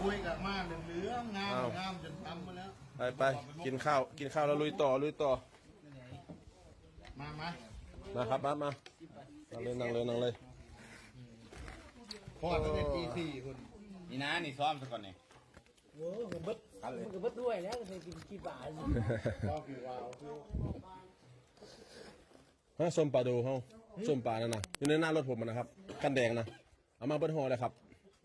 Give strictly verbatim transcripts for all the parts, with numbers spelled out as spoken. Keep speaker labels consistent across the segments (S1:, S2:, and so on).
S1: คุยกับมาเหลืองงามงามจนทำมาแล้ว
S2: ไปไปกินข้าวกินข้าวแล้วลุยต่อลุยต่อ
S1: มามา
S2: นะครับมามานั่งเลยนั่งเลยนั่งเลย
S1: พอตั้งแต่ตีสี่คุณ
S3: นี่นะนี่ซ้อมซะก่อนนี่
S4: โอ้โหมันเบิดมันก็เบิดด้วยแล้วเคยกินกี่บาท
S1: ก็คือว้าว
S2: ฮะส้มปลาดูเฮาส้มปลานั่นนะอยู่ในหน้ารถผมนะครับกันแดงนะเอามาเบิดห่อเลยครับ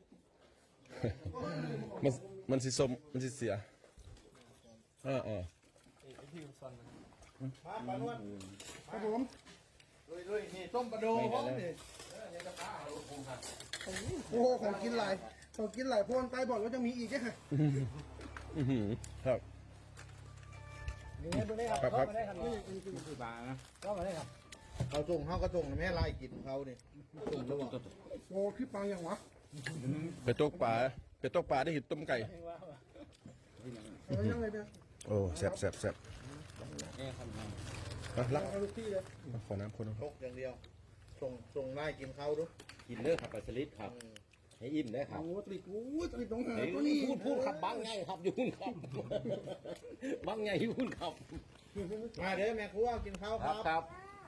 S2: มันมันสิส้มมันสิเสียอ่าอ่า
S1: มาปลาล้วนครับผมลุยๆนี่ต้มปลาดูผมนี่โอ้โหของกินหลายของกินหลายพวนไปบอกว่าจะมีอีกใช่ไหม
S2: ครับ
S4: นี่ไงดูได้ครับเข้ามาได้ครับนี่คือบาร์นะเข้ามาได้ครับ
S1: เขาส่งเขาก็ส่งแม่ลายกินเขาเนี่ยส่งแล้วบอกโอ้พี่ปังยังวะ
S2: ไปตกปลาไปตกปลาได้เห็นต้มไก่
S1: ยังไงเนี่ย
S2: โอ้แซ่บแซ่บแซ่บอ่ะรัก
S1: เอาลูกพี่เลย
S2: ขอน้ำคนนึง
S1: ตกอย่างเดียวส่งส่งลายกินเขาดู
S3: กินเลิกขับปลาสลิดครับให้อิ่มได้ครับ
S1: โอ้ติดโอ้ติดตรงหา
S3: ตัวนี้พูดพูดขับบังไงครับยุ่นครับบังไงยุ่นครับ
S1: มาเด้อแม่ครัวกินข้าวครับ
S3: ครับ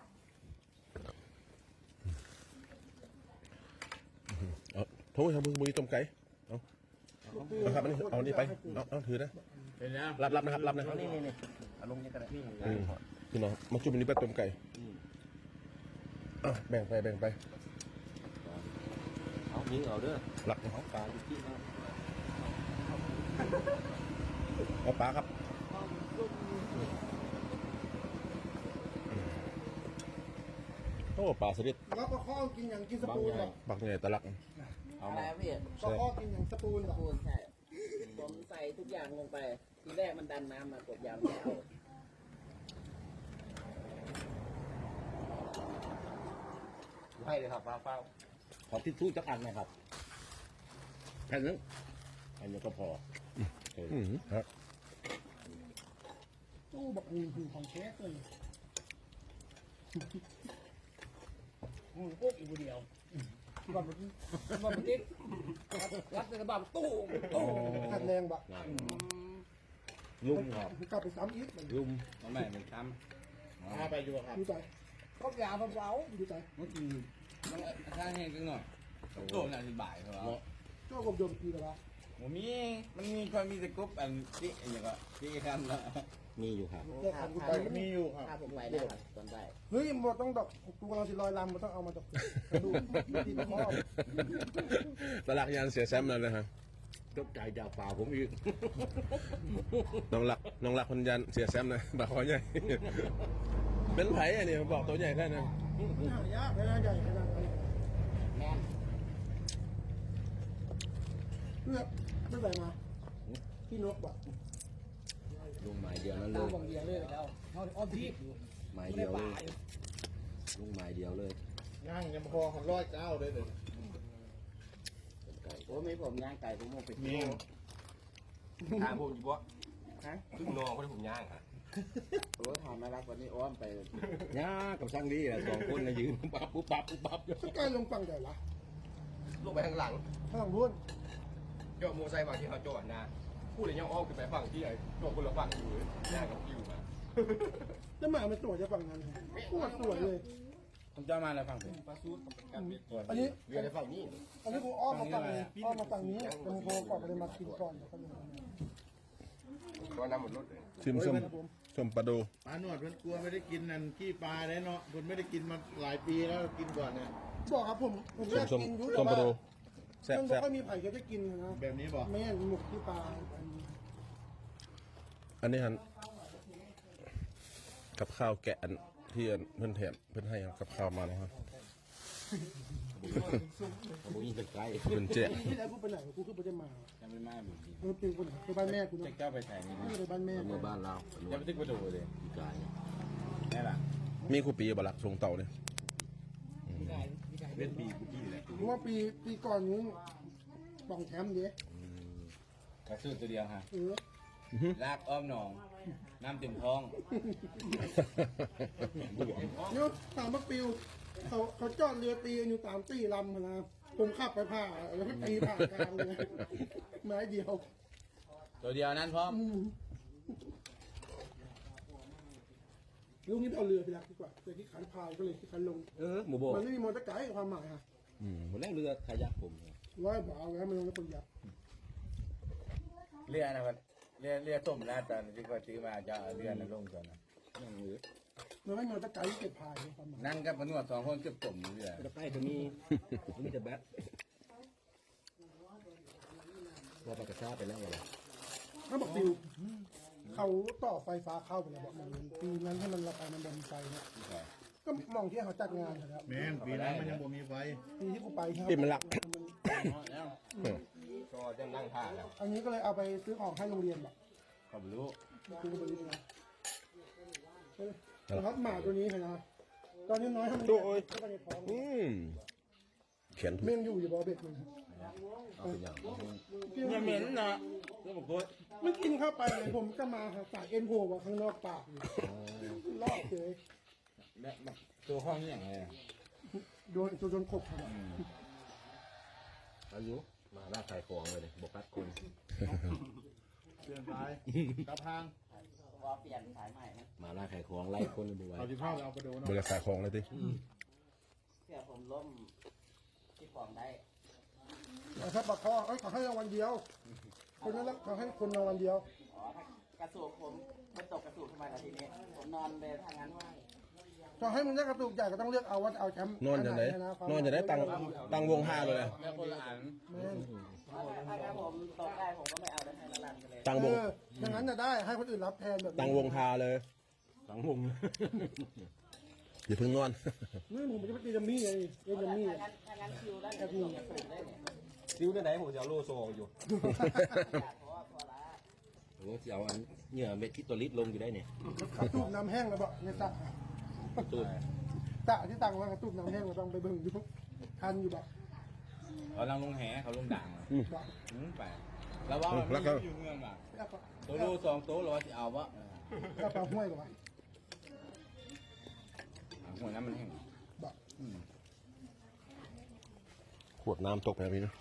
S2: เอาโทษครับมึงมึงต้มไก่เอาเอาครับอันนี้เอานี่ไปเอาเอาถือนะรับรับนะครับรับนะครับ
S3: นี่นี่นี่อารมณ์นี้ก็ได้พี่
S2: พี่น้องมาจุ่มอันนี้ไปต้มไก่อ่ะแบ่งไปแบ่งไป
S3: เอายิงเอาเด้อ
S2: หลัก
S3: เอาปลาอยู่ที่นั่น
S2: เอาปลาครับโอ้ปลาสลิด
S1: แล้วก็ข้อกินอย่างกินสปูนหรอ
S2: บักไงตะลัก
S4: เอาอะไรพี่
S1: ก็ข้อกินอย่างสปูนหรอ
S4: สปูนใช่ผมใส่ทุกอย่างลงไปทีแรกมันดันน้ำมากดยาวแล้ว
S3: ให้เลยครับฟ้าเฝ้าขอทิชชู่จักอันนะครับแค่นั้นอันนี้ก็พอ
S2: อืมครับ
S1: ตู้บักหุ่นของเชฟเลย
S4: หุ่นปุ๊กอีกเดียวบับบับบับติ๊กรัดในบับตู้ตู้
S1: ขัดแรงบะ
S3: ลุ่มครับ
S1: กลับไปซ้ำอีก
S3: ลุ่มทำไมเป็นซ้ำมาไปดูครับ
S1: ดูใจ
S4: ก็ยาเบา
S1: ดูใจ
S3: เมื่อกี้มันข้างแห้งจังหน่อยโตน่าจะบ่ายเหรอ
S1: ก็กบโยมกีแล้ว
S3: ผมมีมันมีความมีแต่กบอันที่อย่างก็ที่คำละมีอยู่ครับ
S1: มีอยู่ครับ
S4: ถ้าผมไปได้ครับตอนได้
S1: เฮ้ยหมดต้องดอกกูกำลังสิลอยลำมันต้องเอามาจากดูที่พ่อ
S2: ตะลักยันเสียแซมเลยนะฮะ
S3: ตกใจดาวเปล่าผมอีก
S2: น้องหลักน้องหลักคนยันเสียแซมนะบาคอใหญ่เป็นไผ่อันนี้บอกตัวใหญ่แค่นั้น
S1: ยากขนาดใหญ่ขนาดนี้
S4: แม่
S1: เลือกไม่ใส่มาพี่นกบอก
S3: ลุงหมายเดียวนั่นเลย
S4: ลุงเดียวเลยแล้วเขาอ้อมที่
S3: หมายเดียวเลยลุงหมายเดียวเลย
S1: ย่างยังพอของร้อยเก้าเลยเด็ด
S3: ไก่
S4: โอ้ไม่ผมย่างไก่ผมโมไป
S3: กินถามผมอยู่บ่ฮะขึ้นนองเพราะผมย่างอ่ะ
S4: โอ้ทำมารักวันนี้อ้อมไป
S3: ย่ากับช่างดีแหละสองคนนะยืนปั๊บปุ๊บปั๊บปุ๊บปั๊บ
S1: สกายลงฝั่งใหญ่ละ
S3: ลงไปข้างหลัง
S1: ข้างหลังรุ่น
S3: จอดโมไซค์ฝั่งที่เขาจอดนะพูดเลยยังอ้อมขึ้นไปฝั่งที่ไอ้จอดคนละฝั่งอยู่หน้ากับคิวมา
S1: แล้วมามันสวยจะฝั่งนั้นสวยสวยเลย
S3: ผมจะมาอะไรฝั่งผมปลาซูด
S1: อันนี้
S3: เรียนในฝั่งนี้
S1: อันนี้กูอ้อมมาฝั่งนี้อ้อมมาฝั่งนี้แต่มึงโทรก่อนไปเลยมากินก่อนแล้วก็เลย
S3: ตัวน้ำหมดรถเลย
S2: ชิมส้มส้มปลาดู
S1: ปลาหนวดเพิ่นกลัวไม่ได้กินนั่นขี้ปลาเลยเนาะเพิ่นไม่ได้กินมาหลายปีแล้วกินก่อนเนี่ยบอกครับผมผมอยากกินยุ่งแต่ว่า
S2: แซ่บ
S1: แซ่บไม่มีไผ่ก็จะกินนะแบบนี้บอกไม่หมกขี้ปลา
S2: อันนี้ฮันกับข้าวแกะที่เพื่อนแถมเพื่อนให้กับข้าวมานะครับ
S3: ผมยิงใกล้
S2: เป็นเจ๊
S1: ที่แล้วกูไปไหนกูคือไปจะมา
S3: ยังไม่มาเหมือนกัน
S1: เออเป็นคนไปบ้านแม่กูเนาะ
S3: เจ้าไปแทง
S1: นี่ไปบ้านแม่
S3: เมื่อบ้านเราจะไปติ๊กไปดูเลยอีกายแน่ล่ะ
S2: มีคู่ปีบลักทรงเต่าเนี่ย
S3: เป็นปีกูพี่เลย
S1: เพราะว่าปีปีก่อนนู้นป่องแชมป์เยอะ
S3: กระสุนตัวเดียวฮะ
S1: เออ
S3: ลากอ้อมหนองน้ำเต็มท้อง
S1: เนี่ยตามมักปิวเขาเขาจอดเรือตีอยู่ตามตีลำนะ
S5: ผมขับไปผ่าแล้วก็ตีผ่ากลางเลยไม้เดียว
S3: ตัวเดียวนั้นพร้อม
S5: อืมลูกนี้เอาเรือไปรักดีกว่าแต่ที่ขันพายก็เลยที่ขันลง
S3: เออหมูโบ
S5: มันไม่มีมอเตอร์ไกด์ความหมายค่ะ
S3: อืมหมดแล้วเรือขยักผม
S5: ว่าบอกเอาแล้วมันลงแล้วคนยักษ์
S6: เรือนะครับเรือเรือต้มนะตอนที่ก็ซื้อมาจะเอาเรือนะลงก่อนนะ
S3: นั่งเรือ
S5: มันไม่มีมอเตอร์ไกด์เก็บพายในความหมาย
S6: นั่งกับพนวดสองคนเก็บต้มเรือ
S3: ตะไคร้ตัวนี้ตัวนี้จะแบทว่าปากกาชาไปแล้วเหรอ
S5: เขาบอกติวเขาต่อไฟฟ้าเข้าไปแล้วบอกมันปีนั้นให้มันราคามันบนไฟเนี่ยก็มองที่เขาจัดงานนะครับ
S1: แม่นปีนั้นมันยังบ่มีไฟ
S5: ปีที่กูไปครับ
S2: ปิดมันหลัก
S6: แล้ว
S3: ก็จะนั่งท่าแล้ว
S5: อันนี้ก็เลยเอาไปซื้อของให้โรงเรียนแบบ
S6: เขาไม่รู้
S5: คือไปเรียนนะครับหมาตัวนี้เห็นไหมตอนนี้น้อยทำ
S2: โอ้ย
S5: เข้าไปในท้อง
S2: อืมเขียน
S5: เม่งอยู่อยู่บอเบ็ดมัน
S3: เอาเป็นอย่าง
S6: เนี่ยเหม็นนะเรื่องบอกว่า
S5: ไม่กินเข้าไปเลยผมก็มาหาสายเอ็นโผล่มาข้างนอกปากอยู่ลอกเลย
S6: แบบแบบตัวห้องนี่อย่างไรอะ
S5: โดนโดนขบครับ
S3: อายุมาล่าขายของเลยบกัดคน
S1: เปลี่ยนสายกระพัง
S4: ว่าเปลี่ยนสายใหม่นะ
S3: มาล่าขายของไล่คนบวย
S1: เอาที่พ่อเอาไปดูเนาะ
S2: บริษัทของเลยดิ
S4: เพื่อผมล้มที่ของได้
S5: แต่ถ้าปากคอเอ้ยขอให้รางวัลเดียวคนนั้นขอให้คนรางวัลเดียว
S4: อ๋อถ้ากระสูบผมมันตกกระสูบทำไมล่ะทีนี้ ผมนอนเลยทางนั้นว่า
S5: ขอให้มึงได้กระตุกใหญ่ก็ต้องเลือกเอาวัดเอาแชมป์
S2: นอนจะไหนนอนจะได้ตังตังวงห้าเลย
S6: แล้วคนละอัน
S5: แม่น
S4: ถ้าถ้าผมตกได้ผมก็ไม่เอาได้ให้ละลันไปเลย
S2: ตังวง
S5: เอออย่างนั้นจะได้ให้คนอื่นรับแทนแบบนี้
S2: ตังวงทาเลย
S3: สังวง
S2: อย่าเพิ่งนอน
S5: นี่ผมจะไปตีดัมมี่ไงเล่นดัมมี่
S4: ถ้างั้นถ้างั้นคิวได้ผมตกกระสูบได้เนี่ย
S3: ซิวได้ไหนผมจะเอาโลโซอยู่
S4: อยากเพราะว่าพอละ
S3: โอ้จะเอาอันเหงื่อเม็ดที่ตัวลิตรลงอยู่ได้เนี่ย
S5: กระตุกน้ำแห้งแล้วบอกในสระ
S3: ตูด
S5: สระที่ตังไว้กระตุกน้ำแห้งเราต้องไปเบิ่งอยู่ทันอยู่บอก
S6: เขาลังลงแหเขาลงด่าง
S5: บอก
S6: อืมไปแล้วว่ามัน
S2: แล้วก็
S6: มีอยู่เมืองอ่ะ
S5: แล้วก็
S6: ตัวดูสองตัวเราจะเอาวะ
S5: แล้วก็ห้วยกับว่า
S6: หัวน้ำมันแห้ง
S5: บอก
S2: ขวดน้ำตกแบบนี้นะ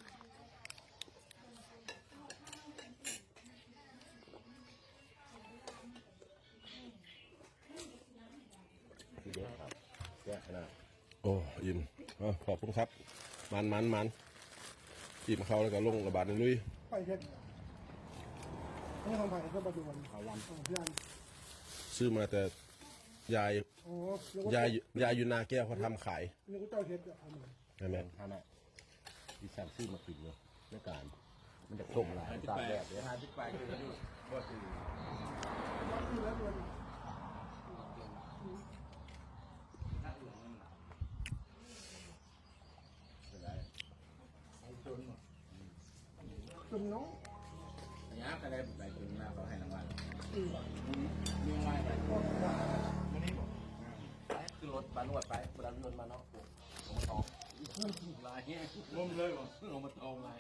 S3: ทีเดียวครับแย่ขนาด
S2: โอ้อิ่มอ๋อขอบคุณครับ มันมันมันอิ่มเขาแล้วก็ลงระบาดในลุย
S5: ไปเพชรนี่ของไผ่เพื่อประดวนเขาลำของพี่อัน
S2: ซื้อมาแต่ยาย
S5: อ๋อแล้วก็
S2: ยายยายอยู่นาแก้วเขาทำขาย
S5: นี่ก็เจ้าเพชรอะทำมา
S2: ใช่ไหม
S3: ฮาน่ะดิฉันซื้อมากินเลยในการ มันจะต้มหลายตากแดดเลย
S6: หาที่ไปคือดูก็คือ
S5: คือแล้วมันจุ่มน้อง
S6: ระยะอะไรไปถึงมาเขาให้รางวัลมีไว้ไป
S3: คือรถมานวดไปเวลานวดมาเนาะผมมาตอกลายเงี้ย
S6: ร่มเลยว่ะลงมาตองเลย